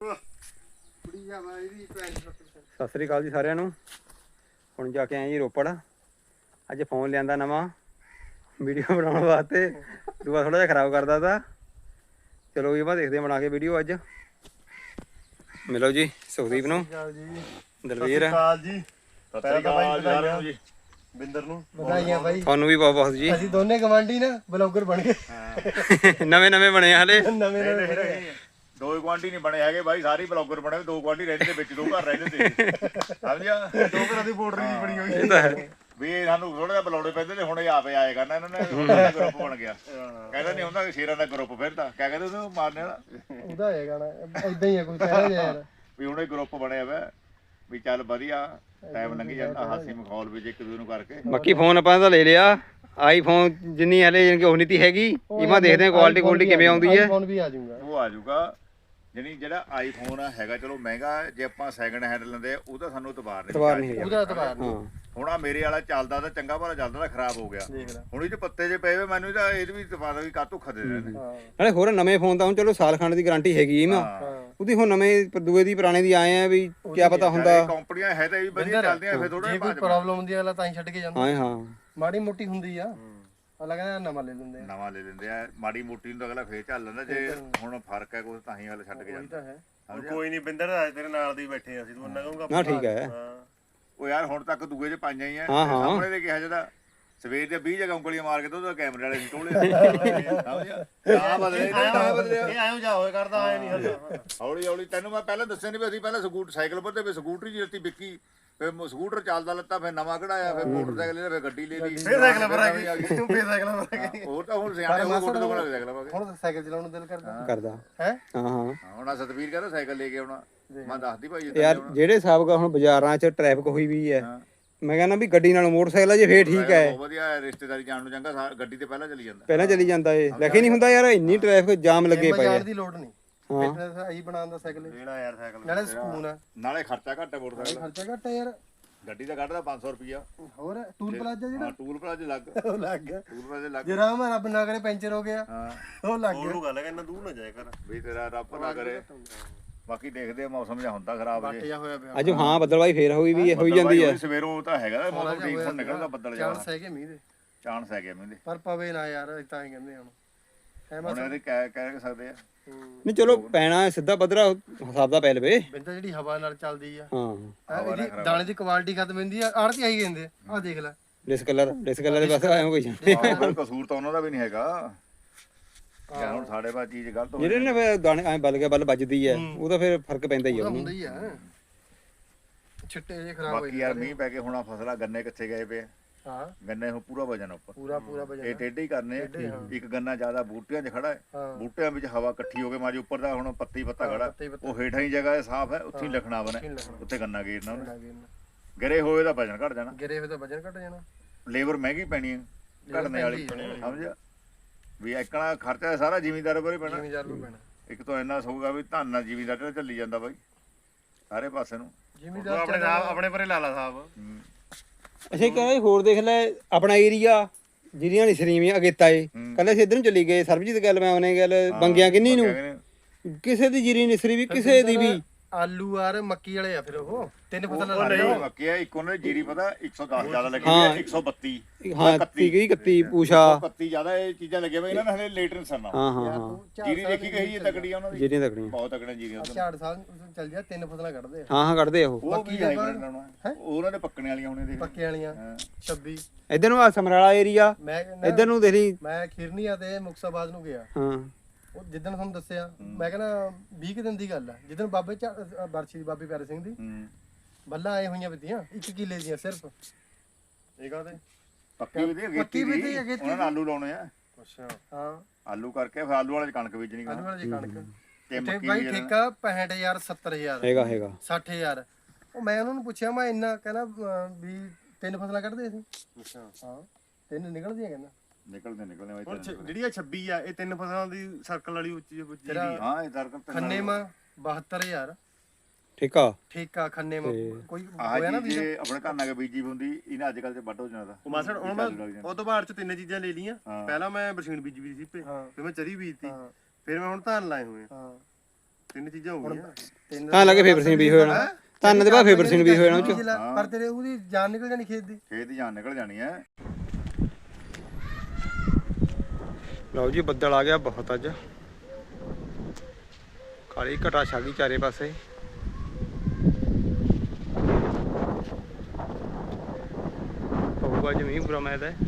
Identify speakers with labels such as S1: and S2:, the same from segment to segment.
S1: ਸਤਿ ਸ੍ਰੀ ਅਕਾਲ ਜੀ ਸਾਰਿਆਂ ਨੂੰ। ਹੁਣ ਜਾ ਕੇ ਆਏ ਜੀ ਰੋਪੜ। ਅੱਜ ਫੋਨ ਲਿਆਂਦਾ ਨਵਾਂ ਵੀਡੀਓ ਬਣਾਉਣ ਵਾਸਤੇ। ਦੂਆ ਥੋੜਾ ਜਿਹਾ ਖਰਾਬ ਕਰਦਾ ਤਾ। ਚਲੋ ਇਹ ਬਾਅਦ ਦੇਖਦੇ ਬਣਾ ਕੇ ਵੀਡੀਓ। ਅੱਜ ਮਿਲੋ ਜੀ ਸੁਖਦੀਪ ਨੂੰ, ਦਲਵੀਰ
S2: ਜੀ, ਜੀ ਬਿੰਦਰ ਨੂੰ ਵਧਾਈਆਂ ਬਾਈ।
S1: ਤੁਹਾਨੂੰ ਵੀ ਬਹੁਤ ਬਹੁਤ ਜੀ।
S2: ਅਸੀਂ ਦੋਨੇ ਗਵਾਂਢੀ ਨਾ ਬਲੌਗਰ ਬਣ ਗਏ।
S1: ਨਵੇਂ ਬਣੇ ਹਲੇ।
S2: ਨਵੇਂ
S3: ਦੋ ਗਵਾਂਢੀ ਨਹੀਂ ਬਣੇ ਹੈਗੇ ਬਾਈ, ਸਾਰੇ ਬਲੌਗਰ ਬਣੇ। ਦੋ ਗਵਾਂਢੀ ਰਹਿੰਦੇ ਦੇ ਵਿੱਚ, ਦੋ ਘਰ ਰਹਿੰਦੇ ਤੇ ਸਮਝਿਆ।
S2: ਦੋ ਘਰਾਂ ਦੀ ਬੋਰਡਰ ਜੀ ਬਣੀ ਹੋਈ।
S1: ਇਹ ਤਾਂ ਹੈ
S3: ਵੀ ਇਹ ਸਾਨੂੰ ਥੋੜਾ ਜਿਹਾ ਬਲੌੜੇ ਪੈਂਦੇ ਤੇ ਹੁਣ ਇਹ ਆਪੇ ਆਏ ਕਰਨਾ। ਇਹਨਾਂ ਨੇ ਗਰੁੱਪ ਬਣ ਗਿਆ। ਕਹਿੰਦਾ ਨਹੀਂ ਹੁੰਦਾ ਸ਼ੇਰਾਂ ਦਾ ਗਰੁੱਪ ਫਿਰਦਾ। ਕਿਆ ਕਹਿੰਦੇ ਉਹਨੂੰ ਮਾਰਨੇ ਵਾਲਾ
S2: ਉਹਦਾ ਹੈ ਗਾਣਾ ਇਦਾਂ ਹੀ ਆ ਕੋਈ ਕਹਿ ਰਿਹਾ ਯਾਰ
S3: ਵੀ ਹੁਣ ਇਹ ਗਰੁੱਪ ਬਣਿਆ ਵਾ ਵੀ ਚੱਲ ਵਧੀਆ ਟਾਈਮ ਲੰਘੀ ਜਾਂਦਾ। ਹਾਸੀ ਮਖੌਲ ਵਿੱਚ ਇੱਕ ਦੂਜੇ ਨੂੰ ਕਰਕੇ।
S1: ਬਾਕੀ ਫੋਨ ਆਪਾਂ ਤਾਂ ਲੈ ਲਿਆ। ਆਈਫੋਨ ਜਿੰਨੀ ਹਲੇ ਜਾਣੀ ਕਿ ਉਹ ਨਹੀਂ ਤੀ ਹੈਗੀ। ਇਵਾਂ ਦੇਖਦੇ ਆ ਕੁਆਲਿਟੀ ਕਿਵੇਂ ਆਉਂਦੀ ਹੈ।
S2: ਫੋਨ ਵੀ ਆ ਜਾਊਗਾ,
S3: ਉਹ ਆ ਜਾਊਗਾ। ਜਾਨੀ ਜਿਹੜਾ ਆਈਫੋਨ ਹੈਗਾ ਚਲੋ ਮਹਿੰਗਾ, ਜੇ ਆਪਾਂ ਸੈਕਿੰਡ ਹੈਂਡ ਲੈਂਦੇ ਉਹ ਤਾਂ ਸਾਨੂੰ ਇਤਬਾਰ ਨਹੀਂ।
S2: ਉਹਦਾ ਇਤਬਾਰ ਨਹੀਂ।
S3: ਹੁਣ ਆ ਮੇਰੇ ਵਾਲਾ ਚੱਲਦਾ ਤਾਂ ਚੰਗਾ ਭਲਾ ਚੱਲਦਾ ਤਾਂ ਖਰਾਬ ਹੋ ਗਿਆ। ਹੁਣ ਇਹ ਚ ਪੱਤੇ ਜੇ ਪਏ ਵੇ ਮੈਨੂੰ ਤਾਂ ਇਹਦੇ ਵੀ ਇਤਬਾਰ ਵੀ ਕਾਹ ਧੋਖਾ ਦੇ ਰਹੇ ਨੇ।
S1: ਨਾਲੇ ਹੋਰ ਨਵੇਂ ਫੋਨ ਤਾਂ ਹੁਣ ਚਲੋ ਸਾਲ ਖੰਡ ਦੀ ਗਾਰੰਟੀ ਹੈਗੀ ਇਹਨਾਂ। ਉਹਦੀ ਹੁਣ ਨਵੇਂ ਦੂਏ ਦੀ ਪੁਰਾਣੇ ਦੀ ਆਏ ਆ ਵੀ ਕੀ ਪਤਾ ਹੁੰਦਾ।
S3: ਕੰਪਨੀਆਂ ਹੈ ਤਾਂ ਇਹ ਵਧੀਆ ਚੱਲਦੀਆਂ, ਫਿਰ ਥੋੜਾ
S2: ਜੇ ਕੋਈ ਪ੍ਰੋਬਲਮ ਹੁੰਦੀ ਆ ਤਾਂ ਹੀ ਛੱਡ ਕੇ ਜਾਂਦਾ।
S1: ਹਾਂ
S2: ਮਾੜੀ ਮੋਟੀ ਹੁੰਦੀ ਆ, ਅਗਲਾ ਕਹਿੰਦਾ ਨਵਾਂ ਲੈ ਲੈਂਦੇ ਆ।
S3: ਨਵਾਂ ਲੈ ਲੈਂਦੇ ਆ। ਮਾੜੀ ਮੋਟੀ ਨੂੰ ਤਾਂ ਅਗਲਾ ਫੇਰ ਚੱਲ ਲੈਂਦਾ। ਜੇ ਹੁਣ ਫਰਕ ਹੈ ਕੁਝ ਤਾਂ ਹੀ ਅਗਲਾ ਛੱਡ ਕੇ ਜਾਂਦਾ।
S2: ਕੋਈ ਨਹੀਂ ਬਿੰਦਰ, ਤੇਰੇ ਨਾਲ ਦੀ ਬੈਠੇ ਅਸੀਂ ਤੂੰ ਉਹਨਾਂ ਕਹੂੰਗਾ
S1: ਨਾ ਠੀਕ ਹੈ।
S3: ਉਹ ਯਾਰ ਹੁਣ ਤੱਕ ਦੂਏ ਚ ਪਾਈਆਂ ਹੀ ਆ। ਸਾਹਮਣੇ ਦੇ ਕਿਹਾ ਜਿਹੜਾ ਸਵੇਰ ਦੇ 20 ਜਗ੍ਹਾ ਉਂਗਲੀਆਂ ਮਾਰ ਕੇ ਤੇ ਉਹਦਾ ਕੈਮਰੇ ਵਾਲੇ ਸੀ ਟੋਲੇ। ਆ ਬਦਲੇ
S2: ਇਹ ਐਂ ਜਾ ਹੋਏ ਕਰਦਾ ਆਏ ਨਹੀਂ ਹੱਲ।
S3: ਹੌਲੀ ਹੌਲੀ ਤੈਨੂੰ ਮੈਂ ਪਹਿਲਾਂ ਦੱਸਿਆ ਨਹੀਂ ਵੀ ਅਸੀਂ ਪਹਿਲਾਂ ਸਾਈਕਲ ਪਰ ਤੇ ਸਕੂਟਰੀ ਜੀ ਲੱਤੀ ਵਿੱਕੀ, ਫਿਰ ਸਕੂਟਰ ਚੱਲਦਾ ਲੱਤਾ, ਫਿਰ ਨਵਾਂ ਕਢਾਇਆ, ਫਿਰ ਮੋਟਰਸਾਈਕਲ ਲੈ, ਫਿਰ ਗੱਡੀ ਲੈ ਲਈ,
S2: ਫਿਰ ਸਾਈਕਲ ਪਰ ਆ ਗਈ। ਫਿਰ ਸਾਈਕਲ ਪਰ ਆ ਗਈ।
S3: ਹੋਰ ਤਾਂ ਹੁਣ ਸਿਆਣੇ ਹੋ ਗੋਡੇ ਤੋਂ ਬਣਾ ਕੇ ਸਾਈਕਲ ਪਾ ਕੇ।
S2: ਹੁਣ ਸਾਈਕਲ ਚਲਾਉਣ ਨੂੰ ਦਿਲ
S1: ਕਰਦਾ
S2: ਹੈ।
S1: ਹਾਂ
S3: ਹੁਣ ਆ ਸਤਵੀਰ ਕਹਿੰਦਾ ਸਾਈਕਲ ਲੈ ਕੇ ਆਉਣਾ। ਮੈਂ ਦੱਸਦੀ ਭਾਈ
S1: ਯਾਰ ਜਿਹੜੇ ਹਿਸਾਬ ਦਾ ਹੁਣ ਬਾਜ਼ਾਰਾਂ 'ਚ ਟ੍ਰੈਫਿਕ ਹੋਈ ਵੀ ਹੈ, ਮੈਂ ਕਹਿੰਦਾ ਵੀ ਗੱਡੀ ਨਾਲ ਮੋਟਰਸਾਈਕਲ ਆ ਜੇ ਫੇਰ ਠੀਕ ਹੈ।
S3: ਬਹੁਤ ਵਧੀਆ ਰਿਸ਼ਤੇਦਾਰੀ ਜਾਣ ਨੂੰ ਚੰਗਾ। ਗੱਡੀ ਤੇ ਪਹਿਲਾਂ ਚਲੀ ਜਾਂਦਾ।
S1: ਪਹਿਲਾਂ ਚਲੀ ਜਾਂਦਾ ਏ। ਲੱਗੇ ਨਹੀਂ ਹੁੰਦਾ ਯਾਰ, ਇੰਨੀ ਟ੍ਰੈਫਿਕ ਜਾਮ ਲੱਗੇ ਪਏ ਆ।
S2: ਦੀ ਲੋੜ ਨਹੀਂ। ਫਿਟਨੈਸ ਆਹੀ ਬਣਾਉਣ ਦਾ ਸਾਈਕਲ ਲੈਣਾ ਯਾਰ। ਸਾਈਕਲ ਨਾਲੇ ਸਕੂਨ ਆ,
S3: ਨਾਲੇ ਖਰਚਾ ਘੱਟ ਹੈ ਮੋਟਰਸਾਈਕਲ।
S2: ਖਰਚਾ ਘੱਟ ਹੈ ਯਾਰ।
S3: ਗੱਡੀ ਦਾ ਕੱਢਦਾ 500 ਰੁਪਿਆ।
S2: ਹੋਰ ਟੂਲ ਪਲਾਜ਼ਾ ਜਿਹੜਾ
S3: ਟੂਲ ਪਲਾਜ਼ਾ ਲੱਗ
S2: ਉਹ ਲੱਗ ਗਿਆ।
S3: ਟੂਲ ਪਲਾਜ਼ਾ ਲੱਗ
S2: ਜੇ ਰਾਮ ਰੱਬ ਨਾ ਕਰੇ ਪੈਂਚਰ ਹੋ ਗਿਆ, ਉਹ ਲੱਗ ਗਿਆ।
S3: ਉਹ ਗੱਲ ਹੈ ਕਿ ਦੂਰ ਨਾ ਜਾਏ ਕਰ ਵੀ ਤੇਰਾ ਰੱਬ ਨਾ ਕਰੇ। ਬਾਕੀ ਦੇਖਦੇ ਆ, ਮੌਸਮ ਜਿਹਾ ਹੁੰਦਾ ਖਰਾਬ ਜੇ
S2: ਹੋਇਆ ਪਿਆ
S1: ਅੱਜ। ਹਾਂ ਬੱਦਲਵਾਈ ਫੇਰ ਹੋਈ ਜਾਂਦੀ ਹੈ।
S3: ਸਵੇਰੋਂ ਤਾਂ ਹੈਗਾ ਮੌਸਮ ਠੀਕ, ਹੁਣ ਨਿਕਲਦਾ ਬੱਦਲ ਜਿਹਾ।
S2: ਚਾਂਸ ਹੈਗੇ ਮੀਂਹ ਦੇ,
S3: ਚਾਂਸ ਹੈਗੇ ਮੀਂਹ ਦੇ,
S2: ਪਰ ਪਵੇ ਨਾ ਯਾਰ। ਤਾਂ ਹੀ ਕਹਿੰਦੇ ਹੁਣ
S3: ਹੁਣ ਇਹਦੇ ਕਹਿ ਸਕਦੇ ਆ।
S1: ਨਹੀਂ ਚਲੋ ਪੈਣਾ ਸਿੱਧਾ ਪੱਧਰਾ ਹਿਸਾਬ ਦਾ ਪੈ ਲਵੇ।
S2: ਬਿੰਦਾ ਜਿਹੜੀ ਹਵਾ ਨਾਲ ਚੱਲਦੀ ਆ,
S1: ਹਾਂ
S2: ਇਹਦੀ ਦਾਣੇ ਦੀ ਕੁਆਲਿਟੀ ਖਤਮ ਹੁੰਦੀ ਆ। ਆੜਤੀ ਆਈ ਕਹਿੰਦੇ ਆ ਦੇਖ ਲੈ
S1: ਡਿਸਕਲਰ ਦੇ ਪਾਸੇ ਆਏ ਕੋਈ
S3: ਕਸੂਰ ਤਾਂ ਉਹਨਾਂ ਦਾ ਵੀ ਨਹੀਂ ਹੈਗਾ। ਹੁਣ ਸਾਡੇ ਬਾਅਦ ਚੀਜ਼ ਗਲਤ ਹੋ
S1: ਜਿਹੜੇ ਨੇ ਦਾਣੇ ਐ ਬਲ ਵੱਜਦੀ ਹੈ, ਉਹਦਾ ਫਿਰ ਫਰਕ ਪੈਂਦਾ ਹੀ ਆ।
S2: ਹੁੰਦਾ ਹੀ ਆ, ਛਿੱਟੇ ਜੇ ਖਰਾਬ ਹੋਏ।
S3: ਬਾਕੀ ਯਾਰ ਮੀਂਹ ਪੈ ਕੇ ਹੁਣ ਫਸਲਾਂ ਗੰਨੇ ਕਿੱਥੇ ਗਏ ਪਏ।
S2: ਹਾਂ
S3: ਗੰਨੇ ਹੁਣ ਪੂਰਾ ਵਜਨ ਉੱਪਰ,
S2: ਪੂਰਾ ਵਜਨ।
S3: ਇਹ ਟੇਢੇ ਹੀ ਕਰਨੇ। ਇੱਕ ਗੰਨਾ ਜ਼ਿਆਦਾ ਬੂਟਿਆਂ 'ਚ ਖੜਾ ਹੈ, ਬੂਟਿਆਂ ਵਿੱਚ ਹਵਾ ਇਕੱਠੀ ਹੋ ਕੇ ਮਾਰੀ ਉੱਪਰ ਦਾ ਹੁਣ ਪੱਤਾ ਖੜਾ, ਉਹ ਹੇਠਾਂ ਹੀ ਜਗ੍ਹਾ ਸਾਫ਼ ਹੈ, ਉੱਥੇ ਹੀ ਲਿਖਣਾ ਬਣੇ, ਉੱਥੇ ਗੰਨਾ ਗੇਰਨਾ ਉਹਨੇ। ਗਿਰੇ ਹੋਏ ਦਾ ਵਜਨ ਘਟ ਜਾਣਾ।
S2: ਗਿਰੇ ਹੋਏ ਦਾ ਵਜਨ ਘਟ ਜਾਣਾ। ਲੇਬਰ
S3: ਮਹਿੰਗੀ ਪੈਣੀ ਹੈ ਘਟਨੇ ਵਾਲੀ, ਸਮਝਿਆ ਵੀ ਇੱਕਣਾ ਖਰਚਾ ਸਾਰਾ ਜ਼ਿਮੀਂਦਾਰ ਉੱਪਰ ਹੀ ਪੈਣਾ। ਇੱਕ ਤਾਂ ਇੰਨਾ ਸੌਗਾ ਵੀ ਧੰਨ ਨਾਲ ਜ਼ਿਮੀਂਦਾਰ ਚੱਲੀ ਜਾਂਦਾ ਬਾਈ ਸਾਰੇ ਪਾਸੇ ਨੂੰ।
S2: ਜ਼ਿਮੀਂਦਾਰ ਆਪਣੇ ਪਰੇ ਲਾਲਾ ਸਾਹਿਬ।
S1: ਅੱਛਾ ਕਹਿੰਦਾ ਹੋਰ ਦੇਖ ਲੈ ਆਪਣਾ ਏਰੀਆ ਜਿਹੜੀਆਂ ਨਹੀਂ ਸਰੀਵੀਆਂ ਅਗੇਤਾ ਏ, ਕੱਲੇ ਇਧਰ ਨੂੰ ਚਲੀ ਗਏ। ਸਰਬਜੀਤ ਗੱਲ ਮੈਂ ਉਹਨੇ ਗੱਲ ਬੰਗਿਆ ਕਿੰਨੀ ਨੂੰ ਕਿਸੇ ਦੀ ਜੀਰੀ ਨਿਸਰੀ ਵੀ ਕਿਸੇ ਦੀ ਵੀ।
S2: ਆਲੂ ਆਰ ਮੱਕੀ ਵਾਲੇ ਆ ਫਿਰ ਉਹ ਤਿੰਨ ਫਸਲ
S3: ਨਹੀਂ ਮੱਕੀ ਆ। ਇੱਕ ਉਹਨੇ ਜੀਰੀ ਪਤਾ 110 ਜ਼ਿਆਦਾ ਲੱਗੀ ਹੈ, 132
S1: ਹਾਂ 31 ਪੂਸ਼ਾ
S3: 31 ਜ਼ਿਆਦਾ ਇਹ ਚੀਜ਼ਾਂ ਲੱਗੀਆਂ ਵੇ ਇਹਨਾਂ ਨੇ ਹਲੇ ਲੇਟ ਨਹੀਂ ਸਰਨਾ।
S1: ਹਾਂ
S3: ਜੀਰੀ ਦੇਖੀ ਗਈ ਹੈ ਤਕੜੀ ਉਹਨਾਂ ਦੀ,
S1: ਜੀਰੀਆਂ ਤਕੜੀਆਂ
S3: ਬਹੁਤ ਤਕੜੀਆਂ ਜੀਰੀਆਂ।
S2: ਝਾੜ ਸਾਲ ਚੱਲ ਜਾ ਤਿੰਨ ਫਸਲਾਂ ਕੱਢਦੇ ਆ।
S1: ਹਾਂ ਕੱਢਦੇ ਆ ਉਹ।
S3: ਬਾਕੀ ਉਹਨਾਂ ਨੇ ਪੱਕਣੇ ਵਾਲੀਆਂ ਹੁਣੇ ਦੇਖ
S2: ਪੱਕੇ ਵਾਲੀਆਂ 26
S1: ਇਧਰ ਨੂੰ ਆ ਸਮਰਾਲਾ ਏਰੀਆ,
S2: ਮੈਂ
S1: ਇਧਰ ਨੂੰ ਦੇਖ ਲਈ।
S2: ਮੈਂ ਖਿਰਨੀਆ ਤੇ ਮੁਕਤਸਰਬਾਦ ਨੂੰ ਗਿਆ।
S1: ਹਾਂ
S2: ਉਹ ਜਿੱਦਣ ਤੁਹਾਨੂੰ ਦੱਸਿਆ ਮੈਂ ਕਹਿੰਦਾ 20 ਦਿਨ ਦੀ ਗੱਲ ਆ, ਜਿੱਦਣ ਬਾਬੇ ਬਰਛੀ ਦੀ ਬਾਬੇ ਪਿਆਰੇ ਸਿੰਘ ਦੀ ਬੱਲਾ ਆਏ ਹੋਈਆਂ ਵਿੱਧੀਆਂ 1 ਕਿੱਲੇ ਦੀਆਂ ਸਿਰਫ। ਇਹ ਕਾਹਦੇ
S3: ਪੱਕੀ ਵੀ ਦੀ ਉਹਨਾਂ ਨੇ ਆਲੂ ਲਾਉਣੇ ਆ।
S2: ਅੱਛਾ ਹਾਂ
S3: ਆਲੂ ਕਰਕੇ ਫਿਰ ਆਲੂ ਵਾਲੇ ਚ ਕਣਕ ਬੀਜਣੀ।
S2: ਆਲੂ ਵਾਲੀ ਕਣਕ
S3: ਤੇ
S2: ਤੇ ਬਾਈ ਠੇਕਾ 65000 70000
S1: ਹੈਗਾ
S2: 60000। ਉਹ ਮੈਂ ਉਹਨਾਂ ਨੂੰ ਪੁੱਛਿਆ ਮੈਂ ਇੰਨਾ, ਕਹਿੰਦਾ ਵੀ ਤਿੰਨ ਫਸਲਾਂ ਕੱਢਦੇ ਅਸੀਂ। ਅੱਛਾ ਹਾਂ ਤਿੰਨ ਨਿਕਲਦੀਆਂ ਕਹਿੰਦਾ।
S3: ਨਿਕਲਦੇ
S2: ਜਿਹੜੀ ਆ 26 ਆ ਇਹ ਤਿੰਨ ਫਸਲਾਂ ਦੀ ਸਰਕਲ ਵਾਲੀ ਉੱਚੀ
S3: ਹਾਂ ਇਹ ਸਰਕਲ
S2: ਖੰਨੇ ਮਾ 72000
S1: ਠੇਕਾ
S2: ਖੰਨੇ ਮਾ ਕੋਈ
S3: ਹੋਇਆ ਨਾ ਵੀ ਆਪਣੇ ਘਰ ਨਾਲ ਬੀਜੀ ਹੁੰਦੀ ਇਹਨਾਂ ਅੱਜ ਕੱਲ ਤੇ ਵੱਢ ਹੋ ਜਾਣਾ ਦਾ।
S4: ਉਹ ਮਾਸੜ ਹੁਣ ਮੈਂ ਉਹ ਤੋਂ ਬਾਅਦ ਚ ਤਿੰਨ ਚੀਜ਼ਾਂ ਲੈ ਲਈਆਂ। ਪਹਿਲਾਂ ਮੈਂ ਬਰਸੀਨ ਬੀਜੀ ਵੀ ਸੀ, ਫਿਰ ਮੈਂ ਚਰੀ ਬੀਜਤੀ, ਫਿਰ ਮੈਂ ਹੁਣ ਧਾਨ ਲਾਏ ਹੋਏ ਆ। ਤਿੰਨ ਚੀਜ਼ਾਂ ਹੋ ਗਈਆਂ।
S1: ਤਾਂ ਲੱਗੇ ਫੇਵਰ ਸੀਨ ਵੀ ਹੋ ਜਾਣਾ ਧੰਨ ਦੇ ਬਾਅਦ ਫੇਵਰ ਸੀਨ ਵੀ ਹੋ ਜਾਣਾ ਉਹ ਚ
S2: ਪਰ ਤੇਰੇ ਉਹਦੀ ਜਾਨ ਨਿਕਲ ਜਾਣੀ ਖੇਤ ਦੀ।
S3: ਖੇਤ ਦੀ ਜਾਨ ਨਿਕਲ ਜਾਣੀ ਹੈ।
S1: ਲਓ ਜੀ ਬੱਦਲ ਆ ਗਿਆ ਬਹੁਤ ਅੱਜ ਕਾਲੀ ਘਟਾ ਛਾ ਗਈ ਚਾਰੇ ਪਾਸੇ ਹੋਊਗਾ ਅੱਜ ਮੀਂਹ ਪੂਰਾ ਮੈਦ ਹੈ।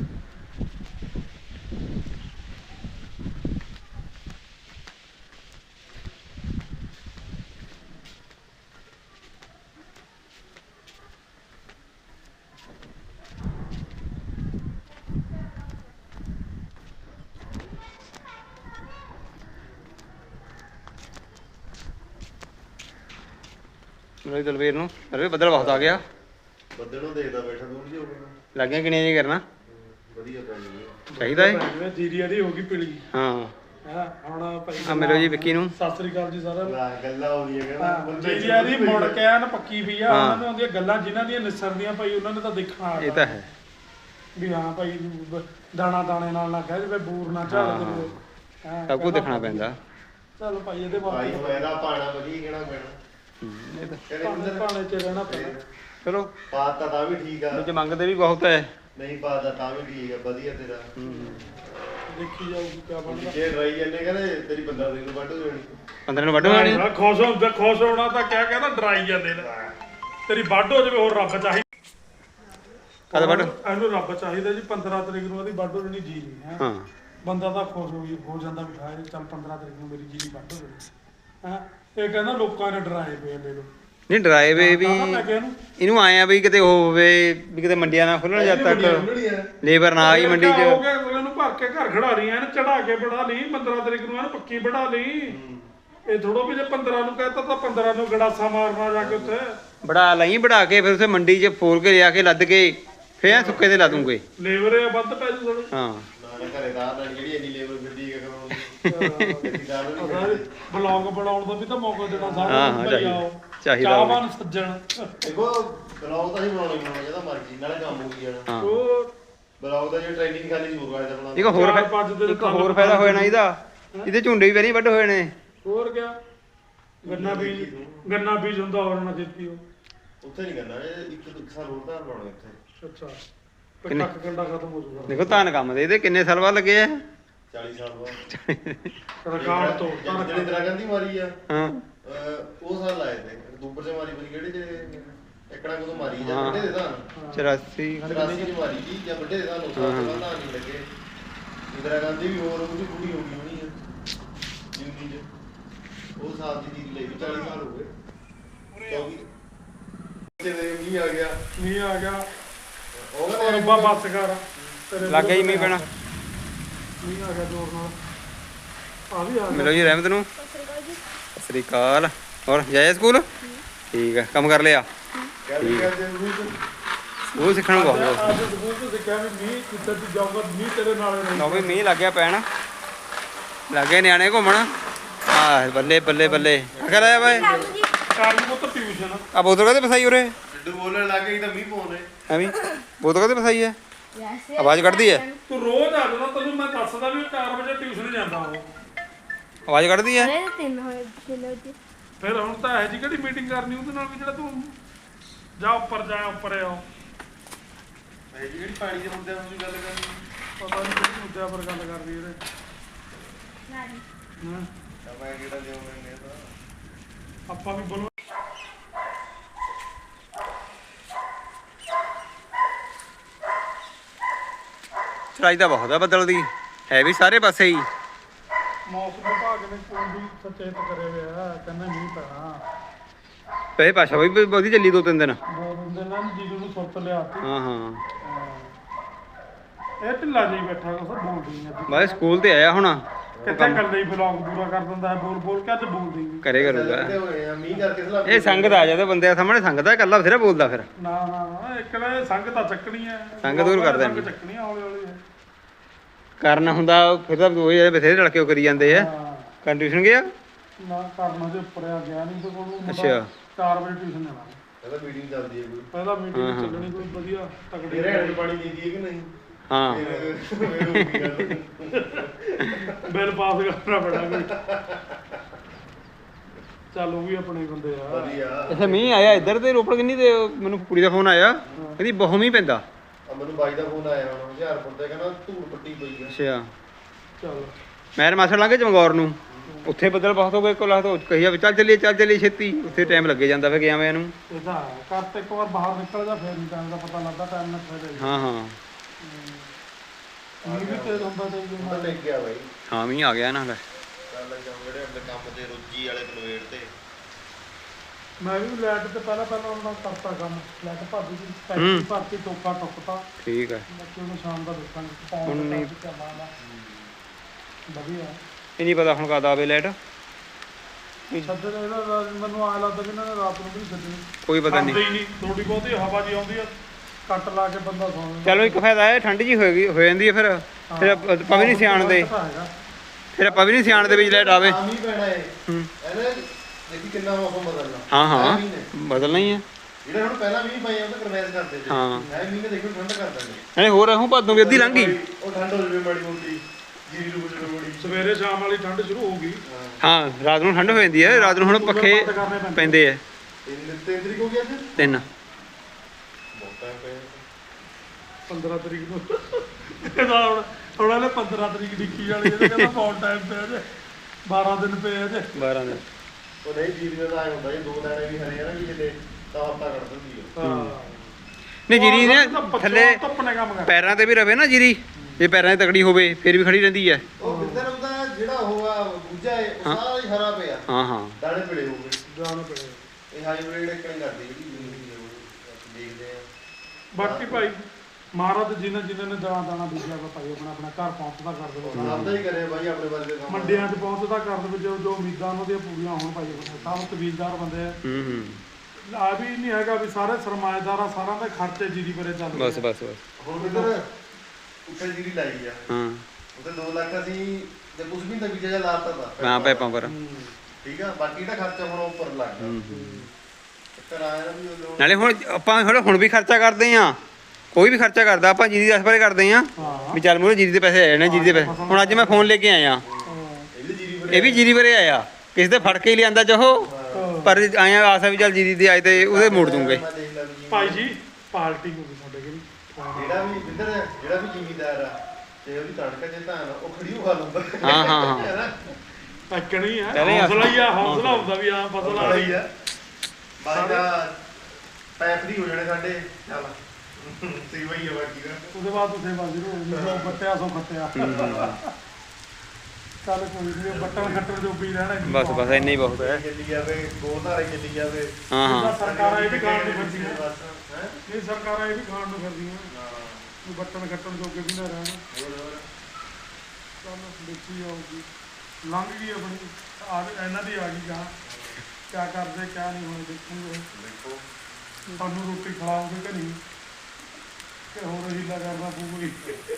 S1: ਮੇਰੇ ਦਲਵੀਰ ਨੂੰ ਅਰੇ ਬੱਦਲ ਬਹੁਤ ਆ ਗਿਆ
S4: ਬੱਦਲ ਨੂੰ ਦੇਖਦਾ ਬੈਠਾ ਦੂਰ ਜੀ ਹੋ ਗਿਆ।
S1: ਲੱਗਿਆ ਕਿੰਨੀਆਂ ਜੀ ਕਰਨਾ
S4: ਵਧੀਆ ਕੰਮ
S1: ਚਾਹੀਦਾ ਹੈ
S5: ਜੀਰੀ ਇਹਦੀ ਹੋ ਗਈ ਪੀਲੀ
S1: ਹਾਂ
S5: ਹਾਂ ਹੁਣ ਭਾਈ
S1: ਆ ਮਿਲੋ ਜੀ ਵਿੱਕੀ ਨੂੰ
S5: ਸਤਿ ਸ੍ਰੀ ਅਕਾਲ ਜੀ ਸਾਰਿਆਂ ਨੂੰ
S4: ਗੱਲਾਂ ਹੋ ਗਈਆਂ ਕਹਿੰਦਾ
S5: ਜੀਰੀ ਇਹਦੀ ਮੁੜ ਕੇ ਐਨ ਪੱਕੀ ਵੀ ਆ ਉਹਨਾਂ ਨੇ ਉਹਦੀਆਂ ਗੱਲਾਂ ਜਿਨ੍ਹਾਂ ਦੀਆਂ ਨਿਸਰਦੀਆਂ ਭਾਈ ਉਹਨਾਂ ਨੇ ਤਾਂ ਦੇਖਣਾ ਆ
S1: ਇਹ ਤਾਂ ਹੈ
S5: ਵੀ ਹਾਂ ਭਾਈ ਦਾਣਾ ਦਾਣੇ ਨਾਲ ਨਾ ਕਹਿ ਜਵੇ ਬੂਰ ਨਾ ਝਾੜ ਦੇਵੇ ਹਾਂ
S1: ਸਭ ਕੁਝ ਦੇਖਣਾ ਪੈਂਦਾ
S5: ਚਲ ਭਾਈ ਇਹਦੇ
S4: ਭਾਈ
S5: ਬਾਅਦ
S4: ਹੋਇਆ ਨਾ ਪਾਣਾ ਵਧੀਆ ਕਹਿਣਾ ਪੈਣਾ
S1: ਇਹ ਤਾਂ
S5: ਪਾਣੇ ਚ ਰਹਿਣਾ ਪੈਣਾ
S1: ਚਲੋ
S4: ਪਾਤਾ ਤਾਂ ਵੀ ਠੀਕ ਆ
S1: ਵਿੱਚ ਮੰਗਦੇ ਵੀ ਬਹੁਤ ਹੈ
S4: ਨਹੀਂ ਪਾਤਾ ਤਾਂ ਵੀ ਠੀਕ ਆ ਵਧੀਆ ਤੇਰਾ
S5: ਦੇਖੀ ਜਾਊਗੀ ਕਿਆ ਬਣਦਾ
S4: ਜੇ ਰਹੀ ਜੰਨੇ ਕਹਿੰਦੇ ਤੇਰੀ 15 ਦਿਨ ਨੂੰ ਵੱਢ ਹੋ ਜਾਣੀ
S1: 15 ਨੂੰ ਵੱਢ ਹੋਣੀ
S5: ਬੜਾ ਖੁਸ਼ ਹੋਣਾ ਤਾਂ ਕਿਆ ਕਹਿੰਦਾ ਡਰਾਈ ਜਾਂਦੇ ਨੇ ਤੇਰੀ ਵੱਢ ਹੋ ਜਾਵੇ ਹੋਰ ਰੱਬ ਚਾਹੀਦਾ
S1: ਕਦ ਵੱਢ
S5: ਇਹਨੂੰ ਰੱਬ ਚਾਹੀਦਾ ਜੀ 15 ਤਰੀਕ ਨੂੰ ਇਹਦੀ ਵੱਢ ਹੋ ਜਣੀ ਜੀ ਨਹੀਂ ਹੈ
S1: ਹਾਂ
S5: ਬੰਦਾ ਤਾਂ ਖੁਸ਼ ਹੋ ਜਾਂਦਾ ਵੀ ਹਾਏ ਚੱਲ 15 ਤਰੀਕ ਨੂੰ ਮੇਰੀ ਜੀਰੀ ਵੱਢ ਹੋ ਜਾਣੀ ਹੈ ਇਹ ਕਹਿੰਦਾ ਲੋਕਾਂ ਨੇ ਡਰਾਏ ਪਏ ਲੈ ਲੋ
S1: ਨਹੀਂ ਡਰਾਏ ਵੇ ਵੀ
S5: ਮੈਂ ਕਿਹਾ ਇਹਨੂੰ
S1: ਇਹਨੂੰ ਆਇਆ ਵੀ ਕਿਤੇ ਹੋਵੇ ਵੀ ਕਿਤੇ ਮੰਡੀਆਂ ਨਾ ਖੁੱਲਣ ਜਦ ਤੱਕ ਲੇਬਰ ਨਾ ਆਈ ਮੰਡੀ 'ਚ
S5: ਹੋ ਗਿਆ ਇਹਨੂੰ ਭਰ ਕੇ ਘਰ ਖੜਾ ਰਹੀ ਐਨ ਚੜਾ ਕੇ ਬੜਾ ਲਈ 15 ਤਰੀਕ ਨੂੰ ਇਹਨੂੰ ਪੱਕੀ ਬੜਾ ਲਈ ਇਹ ਥੋੜੋ ਵੀ ਜੇ 15 ਨੂੰ ਕਹਿਤਾ ਤਾਂ 15 ਨੂੰ ਗੜਾਸਾ ਮਾਰਨਾ ਜਾ ਕੇ ਉੱਥੇ
S1: ਬੜਾ ਲਈ ਬੜਾ ਕੇ ਫਿਰ ਉਸੇ ਮੰਡੀ 'ਚ ਫੋਲ ਕੇ ਲਿਆ ਕੇ ਲੱਦ ਕੇ ਫੇਰ ਸੁੱਕੇ ਤੇ ਲਾ ਦੂੰਗੇ
S5: ਲੇਬਰ ਵੱਧ ਪੈ ਜੂ ਸਾਨੂੰ
S1: ਹਾਂ
S4: ਨਾਲੇ ਘਰੇ ਦਾਰ ਨਾਲ ਜਿਹੜੀ ਇੰਨੀ ਲੇਬਰ ਫਿਰਦੀ ਹੈ ਕਰਾਉਂਦੀ
S5: ਬਲੌਗ ਬਣਾਉਣ ਦਾ ਵੀ ਤਾਂ ਮੌਕਾ ਦੇਣਾ
S1: ਹਾਂ,
S5: ਸਾਰਾ
S1: ਹਾਂ, ਚਾਹੀਦਾ।
S5: ਚਾਹਵਾਨ ਸੱਜਣ
S4: ਦੇਖੋ ਬਲੌਗ ਤਾਂ ਹੀ ਬਣਾਉਣਾ ਹੀ ਬਣਾਉਣਾ ਜਿਹਦਾ ਮਰਜ਼ੀ ਨਾਲੇ ਕੰਮ ਹੋ ਜਾਣਾ
S1: ਹਾਂ
S5: ਉਹ
S4: ਬਲੌਗ ਦਾ ਜੇ ਟ੍ਰੇਨਿੰਗ ਖਾਲੀ ਜ਼ਰੂਰ ਵਾਜਦਾ ਬਣਾ
S1: ਇੱਕ ਹੋਰ
S5: ਚਾਰ ਪੰਜ ਦਿਨ
S1: ਇੱਕ ਹੋਰ ਫਾਇਦਾ ਹੋ ਜਾਣਾ ਇਹਦਾ ਇਹਦੇ ਝੁੰਡੇ ਵੀ ਪਹਿਲਾਂ ਵੱਢ ਹੋਏ ਨੇ
S5: ਹੋਰ ਗਿਆ ਗੰਨਾ ਬੀਜ ਹੁੰਦਾ ਹੋਰ ਨਾ ਦਿੱਤੀ ਉਹ
S4: ਉੱਥੇ ਨਹੀਂ ਕਰਨਾ ਇਹ ਇੱਕ ਸਾਲ ਹੋਰ ਧਾਰ ਬਣਾਉਣਾ ਇੱਥੇ
S5: ਅੱਛਾ ਫਿਰ ਕੱਖ ਕੰਡਾ ਖਤਮ ਹੋ ਜਾਊਗਾ
S1: ਦੇਖੋ ਧਾਨ ਕੰਮ ਦੇ ਇਹਦੇ ਕਿੰਨੇ ਸਾਲ ਬਾਅਦ ਲੱਗੇ ਆ
S4: 40 ਸਾਲ ਬਾਅਦ
S5: ਰਿਕਾਰਡ ਤੋਂ
S4: ਜਿਹੜੀ ਇੰਦਰਾ ਗਾਂਧੀ ਮਾਰੀ ਆ
S1: ਹਾਂ
S4: ਉਹ ਸਾਲ ਲਾਏ ਤੇ ਅਕਤੂਬਰ ਚ ਮਾਰੀ ਬਣੀ ਕਿਹੜੇ ਚ ਇੱਕੜਾ ਕਦੋਂ ਮਾਰੀ ਜਾਂ ਵੱਡੇ ਦੇ ਧਾਨ
S1: 84
S4: 84 ਚ ਮਾਰੀ ਜੀ ਜਾਂ ਵੱਡੇ ਦੇ ਧਾਨ ਉਸ ਸਾਲ ਤੋਂ ਬਾਅਦ ਧਾਨ ਨਹੀਂ ਲੱਗੇ ਇੰਦਰਾ ਗਾਂਧੀ ਵੀ ਹੋਰ ਉਹਦੀ ਬੁੜੀ ਹੋ ਗਈ ਹੋਣੀ ਆ ਜ਼ਿੰਦਗੀ ਚ ਉਹ ਸਾਲ ਦੀ ਦੀਦੀ ਲਈ ਵੀ 40 ਸਾਲ ਹੋ ਗਏ ਕਿਉਂਕਿ ਤੇ ਮੀਂਹ ਆ ਗਿਆ
S5: ਨਹੀਂ ਆ ਗਿਆ
S4: ਉਹ
S5: ਉਹ
S4: ਕਹਿੰਦੇ
S5: ਰੱਬਾ ਬੱਸ ਕਰ ਤੇਰੇ
S1: ਲੱਗ ਗਿਆ ਜੀ ਮੀਂਹ ਪੈਣਾ
S5: ਮੀਂਹ ਆ ਗਿਆ ਜ਼ੋਰ ਨਾਲ ਆ ਵੀ ਆ
S1: ਮਿਲੋ ਜੀ ਰਹਿਮਤ ਨੂੰ ਸਤਿ ਸ੍ਰੀ ਅਕਾਲ ਹੋਰ ਜਾਇਆ ਸਕੂਲ ਠੀਕ ਹੈ ਕੰਮ ਕਰ ਲਿਆ ਉਹ ਸਿੱਖਣ ਨੂੰ ਬਹੁਤ
S5: ਅੱਜ ਸਕੂਲ ਤੋਂ ਸਿੱਖਿਆ ਵੀ ਮੀਂਹ ਕਿੱਥੇ ਤੂੰ ਜਾਊਗਾ ਮੀਂਹ ਤੇਰੇ ਨਾਲ ਹੀ
S1: ਲਓ ਵੀ ਮੀਂਹ ਲੱਗ ਗਿਆ ਪੈਣ ਲੱਗੇ ਨਿਆਣੇ ਘੁੰਮਣ ਆ ਬੱਲੇ ਬੱਲੇ ਬੱਲੇ ਕਰ ਆਇਆ ਬਾਈ
S5: ਕਾਰਨ ਕੋ ਤਾਂ ਟਿਊਸ਼ਨ
S1: ਆ ਬੋਤਲ ਕਾਹਦੇ ਫਸਾਈ ਉਰੇ
S4: ਡੱਡੂ ਬੋਲਣ ਲੱਗ ਗਈ ਤਾਂ ਮੀਂਹ ਪਾਉਣੇ
S1: ਐਵੇਂ ਬੋਤਲ ਕਾਹਦੇ ਫਸਾਈ ਹੈ ਆਵਾਜ਼ ਕੱਢਦੀ ਹੈ
S5: ਤੂੰ ਰੋਜ਼ ਆ ਜਾਣਾ ਤੈਨੂੰ ਮੈਂ ਦੱਸਦਾ ਵੀ 4 ਵਜੇ ਟਿਊਸ਼ਨ ਜਾਂਦਾ ਉਹ
S1: ਆਵਾਜ਼ ਕੱਢਦੀ ਹੈ
S5: ਫਿਰ ਹੁਣ ਤਾਂ ਇਹ ਜੀ ਕਿਹੜੀ ਮੀਟਿੰਗ ਕਰਨੀ ਉਹਦੇ ਨਾਲ ਵੀ ਜਿਹੜਾ ਤੂੰ ਜਾ ਉੱਪਰ ਆਓ
S4: ਇਹ ਜਿਹੜੀ ਪਾਣੀ ਦੇ ਮੁੱਦਿਆਂ ਨੂੰ ਗੱਲ ਕਰਨੀ
S5: ਪਤਾ ਨਹੀਂ ਕਿਹੜੇ ਮੁੱਦਿਆਂ ਪਰ ਗੱਲ ਕਰਦੀ ਇਹਦੇ ਹਾਂ
S4: ਆਪਾਂ ਕਿਹੜਾ ਲਿਆਉਂਦੇ ਤਾਂ
S5: ਆਪਾਂ ਵੀ ਬੋਲੋ
S1: ਚੜਾਈ ਤਾਂ ਬਹੁਤ ਹੈ ਬੱਦਲ ਦੀ ਹੈ ਵੀ ਸਾਰੇ ਪਾਸੇ ਹੀ
S5: ਮੌਸਮ ਵਿਭਾਗ ਨੇ ਕੋਈ ਵੀ ਸਚੇਤ ਕਰੇ ਹੋਇਆ ਕਹਿੰਦਾ ਮੀਂਹ ਪੈਣਾ
S1: ਪਏ ਭਾਸ਼ਾ ਵੀ ਬਹੁਤੀ ਚੱਲੀ 2-3 ਦਿਨ
S5: ਦੋ ਦਿਨ ਨਾਲ ਜੀਜੂ ਨੂੰ ਸੁੱਤ ਲਿਆਤੀ
S1: ਹਾਂ ਹਾਂ
S5: ਇਹ ਢਿੱਲਾ ਜਿਹੀ ਬੈਠਾ ਕੋ ਸਰ ਬੋਲਦੀ ਨਹੀਂ ਅੱਜ
S1: ਬਾਈ ਸਕੂਲ ਤੇ ਆਇਆ ਹੁਣ
S5: ਕਿੱਥੇ ਕੱਲੇ ਹੀ ਵਲੌਗ ਪੂਰਾ ਕਰ ਦਿੰਦਾ ਹੈ ਬੋਲ ਕੇ ਅੱਜ ਬੋਲਦੀ ਨਹੀਂ
S1: ਕਰੇ ਕਰੂਗਾ
S4: ਤੇ ਹੋਏ ਆ ਮੀਂਹ ਕਰਕੇ ਸਲਾਬ
S1: ਇਹ ਸੰਗਤ ਆ ਜਾਂਦਾ ਬੰਦੇ ਸਾਹਮਣੇ ਸੰਗਤ ਆ ਇਕੱਲਾ ਬਥੇਰਾ ਬੋਲਦਾ ਫਿਰ
S5: ਨਾ ਇੱਕ ਨਾ ਸੰਗ ਤਾਂ ਚੱਕਣੀ ਹੈ
S1: ਸੰਗ ਦੂਰ ਕਰ ਦੇਣੀ।
S5: ਸੰਗ ਚੱਕਣੀ ਹੌਲੀ ਹੌਲੀ ਹੈ
S1: ਕਰਨਾ ਹੁੰਦਾ ਫਿਰ ਤਾਂ ਉਹ ਜਿਹੜੇ ਬਥੇਰੇ ਲੜਕੇ ਉਹ ਕਰੀ ਜਾਂਦੇ ਆ
S5: ਹਾਂ
S1: ਕੰਟਿਊਸ਼ਨ ਗਿਆ
S5: ਨਾ ਕਰਨਾ ਦੇ ਉੱਪਰ ਆ ਗਿਆ ਨਹੀਂ ਤੇ ਕੋਲ
S1: ਅੱਛਾ
S5: 4 ਵਜੇ ਟਿਊਸ਼ਨ ਜਾਣਾ
S4: ਪਹਿਲਾਂ ਮੀਟਿੰਗ ਚੱਲਦੀ ਹੈ ਕੋਈ
S5: ਪਹਿਲਾਂ ਮੀਟਿੰਗ ਚੱਲਣੀ ਕੋਈ ਵਧੀਆ ਤਕੜੀ
S4: ਤੇਰੇ ਹੈਂਡ ਪਾਣੀ ਦੇ ਦਈਏ ਕਿ ਨਹੀਂ
S1: ਹਾਂ
S4: ਫਿਰ ਹੋ ਗਈ ਗੱਲ।
S5: ਬਿੱਲ ਪਾਸ ਕਰਨਾ ਪੈਣਾ ਕੋਈ ਚੱਲ ਉਹ ਵੀ ਆਪਣੇ ਬੰਦੇ ਆ
S4: ਵਧੀਆ
S1: ਅੱਛਾ ਮੀਂਹ ਆਇਆ ਇੱਧਰ ਤੇ ਰੋਪੜ ਕਿੰਨੀ ਤੇ ਮੈਨੂੰ ਕੁੜੀ ਦਾ ਫੋਨ ਆਇਆ ਕਹਿੰਦੀ ਬਹੁਤ ਮੀਂਹ ਪੈਂਦਾ
S4: ਮੈਨੂੰ ਬਾਈ ਦਾ ਫੋਨ ਆਇਆ ਹੁਣ ਹੁਸ਼ਿਆਰਪੁਰ ਤੇ ਕਹਿੰਦਾ ਧੂੜ ਪੱਟੀ ਪਈ ਆ
S1: ਅੱਛਾ
S5: ਚੱਲ
S1: ਮੈਂ ਮਾਸੜ ਲਾਂਗੇ ਚਮਗੌਰ ਨੂੰ ਉੱਥੇ ਬੱਦਲ ਬਹੁਤ ਹੋ ਗਏ ਕੋਲਾ ਤੋਂ ਕਹੀਆ ਵੀ ਚੱਲ ਚੱਲੀਏ ਛੇਤੀ ਉੱਥੇ ਟਾਈਮ ਲੱਗੇ ਜਾਂਦਾ ਫਿਰ ਗਿਆ ਮੈਂ ਇਹਨੂੰ
S5: ਇਹਦਾ ਘਰ ਤੇ ਇੱਕ ਵਾਰ ਬਾਹਰ ਨਿਕਲ ਜਾ ਫੇਰ ਨਹੀਂ ਟਾਈਮ ਦਾ ਪਤਾ ਲੱਗਦਾ ਟਾਈਮ ਨਾਲ ਫੇਰ
S1: ਹਾਂ ਹਾਂ
S5: ਮੀਂਹ ਵੀ ਤੇਜ਼ ਹੁੰਦਾ ਤੇ
S4: ਤਾਂ ਲੈ ਗਿਆ ਬਾਈ
S1: ਹਾਂ ਮੀਂਹ ਆ ਗਿਆ ਨਾ ਫਿਰ
S4: ਚੱਲ ਜਾਓ ਜਿਹੜੇ ਆਪਣੇ ਕੰਮ ਤੇ ਰੁੱਜੀ ਵਾਲੇ ਕਨਵੇੜ ਤੇ
S5: ਮੈਂ ਵੀ ਲੈਟ ਤੇ ਪਹਿਲਾਂ ਉਹਨਾਂ ਕਰਤਾ ਕੰਮ ਲੈਟ ਭਰਦੀ ਸੀ ਟੈਂਕੀ ਭਰਤੀ ਟੋਕਾ ਟੁੱਕਤਾ
S1: ਠੀਕ ਹੈ
S5: ਬੱਚੇ ਨੂੰ ਸ਼ਾਮ ਦਾ ਦੇਖਾਂਗੇ
S1: ਹੁਣ ਨਹੀਂ
S5: ਵਧੀਆ
S1: ਇਹ ਨਹੀਂ ਪਤਾ ਹੁਣ ਕਦ ਆਵੇ ਲਾਈਟ
S5: ਛੱਡ ਇਹਦਾ ਮੈਨੂੰ ਆ ਲੱਗਦਾ ਕਿ ਇਹਨਾਂ ਨੇ ਰਾਤ ਨੂੰ ਵੀ ਨਹੀਂ ਛੱਡਣੀ
S1: ਕੋਈ ਪਤਾ ਨਹੀਂ
S5: ਆਉਂਦੀ ਨਹੀਂ ਥੋੜੀ ਬਹੁਤੀ ਹਵਾ ਜੀ ਆਉਂਦੀ ਆ ਕੱਟ ਲਾ ਕੇ ਬੰਦਾ ਸੌਂ ਜਾਂਦਾ
S1: ਚਲੋ ਇੱਕ ਫਾਇਦਾ ਹੈ ਠੰਡ ਜੀ ਹੋ ਜਾਂਦੀ ਹੈ ਫਿਰ ਆਪਾਂ ਵੀ ਨਹੀਂ ਸਿਆਣ ਦੇ ਫਿਰ ਆਪਾਂ ਵੀ ਨਹੀਂ ਸਿਆਣ ਦੇ ਵਿੱਚ ਲਾਈਟ ਆਵੇ
S4: ਆ ਮੀਂਹ ਪੈਣਾ ਏ ਇਹਨੇ ਦੇਖੀ ਕਿੰਨਾ ਮੌਸਮ ਬਦਲਣਾ
S1: ਹਾਂ ਹਾਂ ਬਦਲਣਾ ਹੀ ਹੈ
S4: ਜਿਹੜੇ ਹੁਣ ਪਹਿਲਾਂ ਮੀਂਹ ਪਏ ਆ ਉਹ ਤਾਂ ਕਰਵੈਸ ਕਰਦੇ ਸੀ
S1: ਹਾਂ
S4: ਇਹ ਮੀਂਹ ਨੇ ਦੇਖੋ ਠੰਡ ਕਰ ਦਿੰਦੇ
S1: ਨਾਲੇ ਹੋਰ ਰਹੂੰ ਭਾਦੋਂ ਵੀ ਅੱਧੀ ਲੰਘ ਗਈ
S4: ਉਹ ਠੰਡ ਹੋ ਜਵੇ ਮਾੜੀ ਮੋਟੀ ਜੀਰੀ ਨੂੰ ਬੁਝੇ ਬੜੀ
S5: ਸਵੇਰੇ ਸ਼ਾਮ ਵਾਲੀ ਠੰਡ ਸ਼ੁਰੂ ਹੋ ਗਈ
S1: ਹਾਂ ਰਾਤ ਨੂੰ ਠੰਡ ਹੋ ਜਾਂਦੀ ਹੈ ਰਾਤ ਨੂੰ ਹੁਣ ਪੱਖੇ ਪੈਂਦੇ ਆ
S4: 3 ਤਰੀਕ ਹੋ ਗਿਆ ਅੱਜ
S1: 3
S4: ਬਹੁਤ ਟਾਈਮ ਪਿਆ
S5: 15 ਤਰੀਕ ਨੂੰ ਇਹਦਾ ਹੁਣ ਇਹਨੇ 15 ਤਰੀਕ ਡਿੱਕੀ ਵਾਲੀ ਇਹਨੇ ਕਹਿੰਦਾ ਬਹੁਤ ਟਾਈਮ ਪਿਆ ਜੇ 12 ਦਿਨ ਪਏ ਜੇ
S1: 12 ਦਿਨ
S4: ਉਹ ਨਹੀਂ ਜੀਰੀ ਦਾ ਤਾਂ ਐਂ ਹੁੰਦਾ ਜੀ 2 ਦਾਣੇ ਵੀ ਹਰੇ ਆ ਨਾ ਵੀ ਜਿਹੜੇ ਤਾਂ ਹੱਤਾ ਕੱਢ ਦਿੰਦੀ ਆ
S5: ਹਾਂ
S1: ਨਹੀਂ ਜੀਰੀ ਨੇ ਥੱਲੇ
S5: ਧੁੱਪ ਨੇ ਕੰਮ ਕਰ
S1: ਪੈਰਾਂ ਤੇ ਵੀ ਰਵੇ ਨਾ ਜੀਰੀ ਜੇ ਪੈਰਾਂ 'ਤੇ ਤਕੜੀ ਹੋਵੇ ਫਿਰ ਵੀ ਖੜੀ ਰਹਿੰਦੀ ਹੈ
S4: ਉਹ ਬਿੰਦਰ ਉਹਦਾ ਜਿਹੜਾ ਉਹ ਆ ਬੂਝਾ ਹੈ ਉਹ ਸਾਰਾ ਹੀ ਹਰਾ ਪਿਆ
S1: ਹਾਂ ਹਾਂ
S4: ਦਾਣੇ ਪਿਲੇ ਹੋ ਗਏ
S5: ਜਾਣ ਪਏ
S4: ਇਹ ਹਾਈਬ੍ਰਿਡ ਇੱਕ ਨਹੀਂ ਕਰਦੀ ਜਿਹੜੀ ਜੀਰੀ ਹੈ ਉਹ ਦੇਖਦੇ ਆ
S5: ਬਾਕੀ ਭਾਈ ਮਹਾਰਾਜ ਜਿਨ੍ਹਾਂ ਨੇ ਦਾਣਾ ਬੀਜਿਆ ਵਾ ਭਾਈ ਆਪਣਾ ਘਰ ਪਹੁੰਚਦਾ ਕਰ ਦੇਵੋ
S4: ਆਪਦਾ ਹੀ ਕਰੇ ਬਾਈ ਆਪਣੇ ਬਾਰੇ ਦੇ ਕੰਮ
S5: ਮੰਡੀਆਂ 'ਚ ਪਹੁੰਚਦਾ ਕਰ ਦੇਵੇ ਜੋ ਉਮੀਦਾਂ ਉਹਨਾਂ ਦੀਆਂ ਪੂਰੀਆਂ ਹੋਣ ਭਾਈ ਸਭ ਤਬੀਲਦਾਰ ਬੰਦੇ ਆ ਆ ਵੀ ਨਹੀਂ ਹੈਗਾ ਵੀ ਸਾਰੇ ਸਰਮਾਏਦਾਰ ਆ ਸਾਰਿਆਂ ਦੇ ਖਰਚੇ ਜੀਰੀ ਪਰੇ ਚੱਲ
S1: ਬਸ
S4: ਹੁਣ ਬਿੰਦਰ ਉੱਥੇ ਜੀਰੀ ਲਾਈ ਆ
S1: ਹਾਂ
S4: ਉੱਥੇ 2 ਲੱਖ ਅਸੀਂ ਜੇ ਕੁਝ ਵੀ ਤਾਂ ਬੀਜਾ ਜਾਂ ਲਾਤਾ ਤਾਂ
S1: ਹਾਂ ਪੈਪਾਂ ਪਰ
S4: ਠੀਕ ਆ ਬਾਕੀ ਦਾ ਖਰਚਾ ਹੁਣ ਉੱਪਰ ਲੱਗ ਗਿਆ ਚੱਕਰ ਆਇਆ ਨਾ ਵੀ ਉਹ
S1: ਨਾਲੇ ਹੁਣ ਆਪਾਂ ਹੁਣ ਵੀ ਖਰਚਾ ਕਰਦੇ ਆ ਕੋਈ ਵੀ ਖਰਚਾ ਕਰਦਾ ਆਪਾਂ ਜੀਰੀ ਦਾ ਬਾਰੇ ਕਰਦੇ ਆ ਵੀ ਚੱਲ ਮੂਰੇ ਜੀਰੀ ਦੇ ਪੈਸੇ ਆ ਜਾਣੇ ਜੀਰੀ ਦੇ ਪੈਸੇ ਹੁਣ ਅੱਜ ਮੈਂ ਫੋਨ ਲੈ ਕੇ ਆਇਆ ਇਹ ਵੀ ਜੀਰੀ ਬਾਰੇ ਆਇਆ ਕਿਸੇ ਦੇ ਫੜ ਕੇ ਹੀ ਲਿਆਂਦਾ ਚਾਹੋ ਪਰ ਆਇਆ ਆਸਾ ਵੀ ਚੱਲ ਜੀਰੀ ਦੇ ਆਏ ਤੇ ਉਹਦੇ ਮੋੜ ਦੂੰਗੇ
S5: ਭਾਈ ਜੀ ਪਾਰਟੀ ਹੋ ਗਈ ਸਾਡੇ ਕੋਲ
S4: ਜਿਹੜਾ ਵੀ ਬਿੰਦਰ ਜਿਹੜਾ ਵੀ ਜ਼ਿਮੀਦਾਰ ਆ ਤੇ ਉਹਦੀ ਕਣਕ ਜੇ ਧਾਨ ਉਹ ਖੜੀ ਖਾ ਲੂੰਦਾ
S1: ਹਾਂ ਹਾਂ
S5: ਟੱਕਣੀ ਆ ਹੌਸਲਾ ਹੀ ਆ ਹੌਸਲਾ ਹੁੰਦਾ ਵੀ ਆ ਫਸਲ ਆ ਰਹੀ
S4: ਆ ਬਾਈ ਦਾ ਪੈਪ ਦੀ ਹੋ ਜਾਣੇ ਸਾਡੇ ਚੱਲ ਸੇਵਾ ਹੀ ਆ ਬਾਕੀ ਦਾ
S5: ਉਹਦੇ ਬਾਅਦ ਤੁਸੀਂ ਬਾਜ਼ੀ ਨੂੰ ਜੋ ਬੱਟਿਆ ਸੋ ਖੱਟਿਆ ਚੱਲ ਕੋਈ ਨਹੀਂ ਬੱਟਣ ਖੱਟਣ ਜੋ ਵੀ ਰਹਿਣਾ
S1: ਬਸ ਇੰਨਾ ਹੀ ਬਹੁਤ ਹੈ
S4: ਚੱਲੀ ਜਾਵੇ ਗੋਧਾਰੇ ਚੱਲੀ ਜਾਵੇ
S1: ਹਾਂ ਹਾਂ
S5: ਸਰਕਾਰਾਂ ਇਹ ਵੀ ਖਾਣ ਨੂੰ ਫਿਰਦੀਆਂ
S4: ਬਸ ਹੈ
S5: ਇਹ ਸਰਕਾਰਾਂ ਇਹ ਵੀ ਖਾਣ ਨੂੰ ਫਿਰਦੀਆਂ ਵੀ ਬੱਟਣ ਖੱਟਣ ਜੋਗੇ ਵੀ ਨਾ ਰਹਿਣ ਚੱਲ ਦੇਖੀ ਜਾਊਗੀ ਲੰਘ ਗਈ ਆਪਣੀ ਇਹਨਾਂ ਦੀ ਆ ਗਈ ਗਾਂ ਕਿਆ ਕਰਦੇ ਕਿਆ ਨਹੀਂ ਹੁਣ ਦੇਖੂਗੇ
S4: ਦੇਖੋ
S5: ਸਾਨੂੰ ਰੋਟੀ ਖਿਲਾਓਗੇ ਕਿ ਨਹੀਂ ਕਿ ਹੋਰ ਹੀਲਾ ਕਰਨਾ ਪਊਗੀ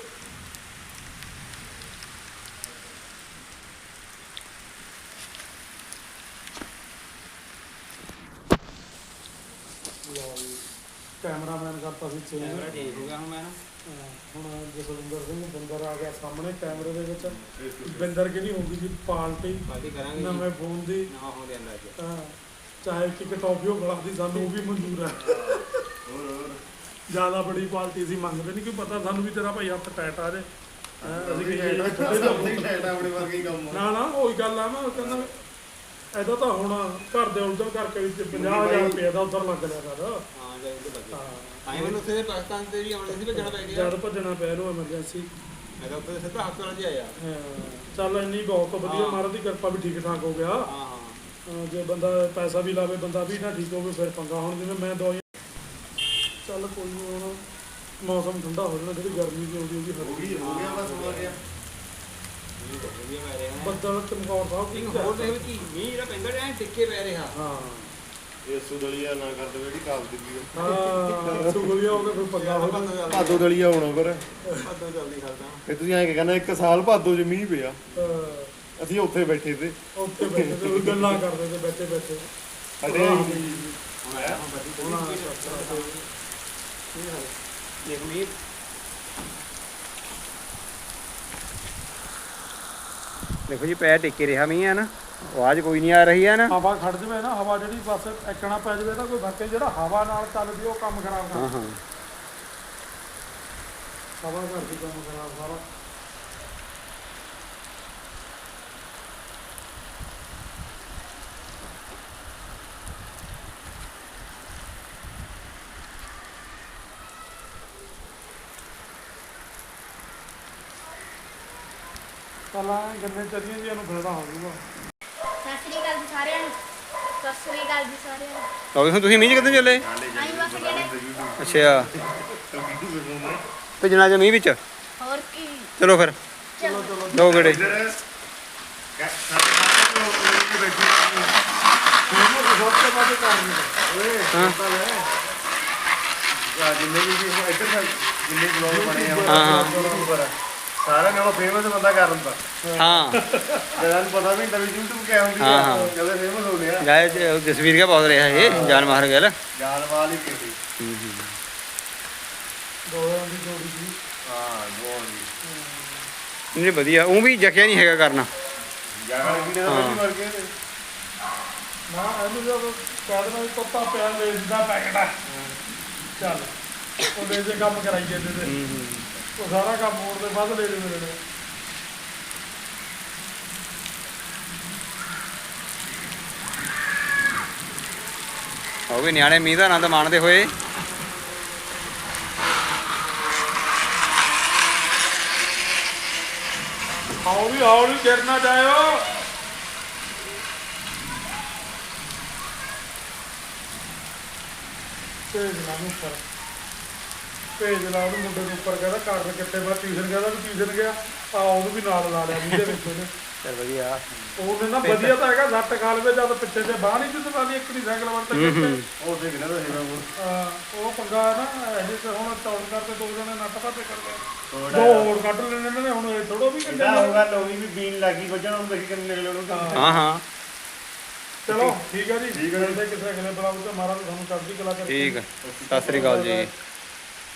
S5: ਕੈਮਰਾਮੈਨ ਕਰਤਾ ਸੀ ਚੇਂਜ
S1: ਚੇਂਜ ਹੋ ਗਿਆ ਹੁਣ ਮੈਂ
S5: ਹੁਣ ਜਸਵਿੰਦਰ ਸਿੰਘ ਬਿੰਦਰ ਆ ਗਿਆ ਸਾਹਮਣੇ ਕੈਮਰੇ ਦੇ ਵਿੱਚ ਬਿੰਦਰ ਕਿਹਦੀ ਹੋਊਗੀ ਜੀ ਪਾਰਟੀ
S1: ਕਰਾਂਗੇ
S5: ਨਵੇਂ ਫੋਨ ਦੀ
S1: ਨਵਾਂ ਫੋਨ ਲਿਆਂਦਾ ਅੱਜ
S5: ਹਾਂ ਚਾਹੇ ਕਿ ਟੌਫੀਓ ਬੜਾ ਦੀ ਸਾਨੂੰ ਉਹ ਵੀ ਮਨਜ਼ੂਰ ਹੈ
S4: ਹੋਰ
S5: ਜਿਆਦਾ ਬੜੀ ਪਾਰਟੀ ਸੀ ਮੰਗਦੇ ਨਹੀਂ ਕਿ ਪਤਾ ਸਾਨੂੰ ਵੀ ਤੇਰਾ ਭਾਈ ਹੱਥ ਟੈਟ ਆ ਜੇ ਅਸੀਂ ਕਹੀਏ
S4: ਆਪਣੇ ਵਰਗੇ ਹੀ ਕੰਮ
S5: ਨਾ ਉਹੀ ਗੱਲ ਆ ਨਾ ਉਹ ਕਹਿੰਦਾ ਇਹਦਾ ਤਾਂ ਹੁਣ ਘਰ ਦੇ ਉਲਝਣ ਕਰਕੇ ਵਿੱਚ 50000 ਰੁਪਏ ਦਾ ਉਧਰ ਲੱਗ ਲਿਆ ਕਰ
S1: ਹਾਂ ਜੇ ਉਹ ਲੱਗੇ ਆਏ ਮੈਨੂੰ ਉੱਥੇ ਪਾਕਿਸਤਾਨ ਤੇ ਵੀ ਆਉਣ ਸੀ ਭੱਜਣਾ ਪੈ ਗਿਆ
S5: ਜਦ ਭੱਜਣਾ ਪਿਆ ਇਹਨੂੰ ਐਮਰਜੈਂਸੀ
S1: ਮੈਂ ਤਾਂ ਉੱਥੇ ਸਿੱਧਾ ਹਸਪਤਾਲ 'ਚ ਆਇਆ
S5: ਚੱਲ ਇੰਨੀ ਬਹੁਤ ਵਧੀਆ ਮਹਾਰਾਜ ਦੀ ਕਿਰਪਾ ਵੀ ਠੀਕ ਠਾਕ ਹੋ ਗਿਆ
S1: ਹਾਂ
S5: ਜੇ ਬੰਦਾ ਪੈਸਾ ਵੀ ਲਾਵੇ ਬੰਦਾ ਵੀ ਨਾ ਠੀਕ ਹੋਵੇ ਫਿਰ ਪੰਗਾ ਹੁਣ ਜਿਵੇਂ ਮੈਂ ਦਵਾਈ ਚੱਲ ਕੋਈ ਨਹੀਂ ਹੁਣ ਮੌਸਮ ਠੰਡਾ ਹੋ ਜਾਣਾ ਜਿਹੜੀ ਗਰਮੀ ਦੀ ਆਉਂਦੀ ਉਹਦੀ
S4: ਹੋ ਗਿਆ ਬਸ ਹੋ ਗਿਆ
S5: ਬੱਦਲ ਚਮਕੌਰ ਸਾਹਿਬ
S1: ਇੱਕ ਹੋਰ ਦੇਖ ਕੀ ਮੀਂਹ ਜਿਹੜਾ ਪੈਂਦਾ ਐ ਟਿੱਕੇ ਪੈ ਰਿਹਾ
S5: ਹਾਂ
S4: ਇਹ ਸੁਦਲੀਆ ਨਾ ਕਰ ਦੇਵੇ ਜਿਹੜੀ ਕਾਬ ਦਿੱਤੀ
S5: ਹਾਂ ਸੁਗਲੀਆ ਹੋ ਕੇ ਫਿਰ ਪੰਗਾ ਹੋ ਜਾਂਦਾ
S4: ਭਾਦੋ ਦਲੀਆ ਹੋਣਾ ਪਰ
S1: ਭਾਦੋਂ ਜਲਦੀ ਖਲਦਾ
S4: ਤੇ ਤੁਸੀਂ ਐਂ ਕਹਿੰਦਾ 1 ਸਾਲ ਭਾਦੋ ਚ ਮੀਂਹ ਪਿਆ ਅਸੀਂ ਉੱਥੇ ਬੈਠੇ ਤੇ
S5: ਉੱਥੇ ਬੈਠੇ ਤੇ ਉਹ ਗੱਲਾਂ ਕਰਦੇ ਤੇ ਬੈਠੇ ਬੈਠੇ
S4: ਸਾਡੇ
S1: ਹੁਣ ਆਇਆ ਹੁਣ ਬੱਤੀ ਦੇਖ ਮੀਂਹ ਦੇਖੋ ਜੀ ਪੈਰ ਟਿੱਕੇ ਰਿਹਾ ਮੀਂਹ ਹੈ ਨਾ ਆਵਾਜ਼ ਕੋਈ ਨਹੀਂ ਆ ਰਹੀ ਹੈ ਨਾ।
S5: ਹਵਾ ਖੜ ਜਵੇ ਨਾ, ਹਵਾ ਜਿਹੜੀ ਬਸ ਐਕਣਾ ਪੈ ਜਵੇ ਤਾਂ ਕੋਈ ਧੱਕੇ, ਜਿਹੜਾ ਹਵਾ ਨਾਲ ਚੱਲਦੀ ਉਹ ਕੰਮ ਖਰਾਬ
S1: ਹਾਂ
S5: ਕਰਦਾ।
S1: ਹਾਂ
S5: ਹਵਾ ਕਰਦੀ ਕੰਮ ਖਰਾਬ ਸਾਰਾ। ਪਹਿਲਾਂ ਗੰਨੇ ਚੱਲੀਆਂ ਜੀ, ਇਹਨੂੰ ਫਾਇਦਾ ਹੋ ਜਾਊਗਾ।
S6: ਸਤਿ ਸ੍ਰੀ ਅਕਾਲ ਜੀ ਸਾਰਿਆਂ ਨੂੰ। ਸਤਿ ਸ੍ਰੀ ਅਕਾਲ ਜੀ ਸਾਰਿਆਂ ਨੂੰ।
S1: ਲਓ ਹੁਣ ਤੁਸੀਂ ਮੀਂਹ 'ਚ ਕਿੱਥੇ ਚੱਲੇ?
S6: ਆਈ ਬਸ ਕਿਹੜੇ
S1: ਅੱਛਾ ਭੇਜਣਾ ਜੇ ਮੀਂਹ ਵਿੱਚ।
S6: ਹੋਰ ਕੀ।
S1: ਚਲੋ ਫਿਰ
S6: ਚਲੋ
S1: ਦੋ ਗੇੜੇ।
S4: ਜਿੰਨੇ ਵੀ ਇੱਧਰ ਜਿੰਨੇ ਬਲੌਗ ਬਣੇ ਆ
S1: ਹਾਂ
S4: ਸਾਰਿਆਂ ਨਾਲੋਂ ਫੇਮਸ ਬੰਦਾ ਕਰਨ ਦਾ
S1: ਹਾਂ
S4: ਜਿਹਨਾਂ ਨੂੰ ਪਤਾ ਵੀ ਨਹੀਂ ਵੀ YouTube ਕਿਆ ਹੁੰਦੀ
S1: ਹਾਂ,
S4: ਆ
S1: ਹਾਂ।
S4: ਜਦੋਂ ਫੇਮਸ ਹੋ ਗਿਆ
S1: ਗਾਇ ਜਸਵੀਰ ਕਿਆ ਬਹੁਤ ਰਿਹਾ ਇਹ ਜਾਨ ਮਾਰ ਗਿਆ।
S4: ਜਾਨਵਾਲ ਹੀ ਕੀਤੀ
S5: ਦੋਹਾਂ ਦੀ ਜੋੜੀ ਸੀ।
S4: ਹਾਂ ਬਹੁਤ
S1: ਨਹੀਂ ਵਧੀਆ, ਉਹ ਵੀ ਜਕਿਆ ਨਹੀਂ ਹੈਗਾ ਕਰਨਾ।
S4: ਜਾਨਵਾਲ ਵੀ ਨੇ ਮਰ ਗਏ ਤੇ
S5: ਨਾ ਇਹਨੂੰ ਜਦ ਕਹਿ ਦੇਣਾ ਵੀ ਪੱਤਾ ਪਿਆ ਲੇਜ ਦਾ ਪੈਕਟ ਆ, ਚੱਲ ਉਹਦੇ ਜੇ ਕੰਮ ਕਰਾਈ ਜਾਂਦੇ ਤੇ ਉਹ ਸਾਰਾ ਕੰਮ ਮੋੜ ਦੇ ਵੱਧ ਲੈ ਲੈ ਮੇਰੇ ਨੇ।
S1: ਉਹ ਵੀ ਨਿਆਣੇ ਮੀਂਹ ਦਾ ਆਨੰਦ ਮਾਣਦੇ ਹੋਏ।
S5: ਹੌਲੀ ਹੌਲੀ ਗਿਰ ਨਾ ਜਾਇਓ। ਭੇਜ ਲਾ ਨੂੰ ਉੱਪਰ, ਭੇਜ ਲਾ ਉਹਨੂੰ ਮੁੰਡੇ ਨੂੰ ਉੱਪਰ, ਕਹਿੰਦਾ ਕਰਨ ਕਿੱਥੇ ਬਾਅਦ ਟਿਊਸ਼ਨ ਗਿਆ, ਵੀ ਟਿਊਸ਼ਨ ਗਿਆ ਆ, ਉਹਨੂੰ ਵੀ ਨਾਲ ਲਾ ਲਿਆ ਜਿਹਦੇ ਵਿੱਚ ਉਹਨੇ।
S1: ਚੱਲ ਵਧੀਆ।
S5: ਉਹਨੇ ਨਾ ਵਧੀਆ ਤਾਂ ਹੈਗਾ, ਸੱਟ ਖਾ ਲਵੇ ਜਦ ਪਿੱਛੇ ਤੇ ਬਾਹਰ ਨਹੀਂ ਜਿੱਦ ਵਾਲੀ ਇੱਕ ਨਹੀਂ ਸਾਈਕਲ ਵਰ ਤੱਕ
S4: ਉਹ ਤੇ ਕਿਹਨਾਂ ਦਾ ਹੈਗਾ
S5: ਉਹ ਪੰਗਾ ਨਾ ਇਹ ਤੇ ਹੁਣ ਚੌੜ ਕਰਕੇ ਦੋ ਜਣੇ ਨੱਟ ਪਾਤੇ ਕਰਦੇ, ਦੋ ਹੋਰ ਕੱਢ ਲੈਣੇ ਨੇ ਹੁਣ। ਇਹ ਥੋੜੋ ਵੀ
S4: ਇਹਦਾ ਹੋਗਾ ਲੋਗੀ ਵੀ ਬੀਨ ਲੱਗੀ ਵੱਜਣ ਉਹਨੂੰ ਦੇਖੀ ਕਿੰਨੇ ਨਿਕਲੇ ਉਹਨੂੰ
S1: ਹਾਂ ਹਾਂ
S5: ਚਲੋ ਠੀਕ ਹੈ ਜੀ। ਮਿਲਦੇ ਕਿਸੇ ਅਗਲੇ ਬਲਾਗ ਤੇ, ਮਹਾਰਾਜ ਤੁਹਾਨੂੰ ਚੜ੍ਹਦੀ ਕਲਾ ਕਰੇ।
S1: ਠੀਕ ਆ। ਸਤਿ ਸ੍ਰੀ ਅਕਾਲ ਜੀ।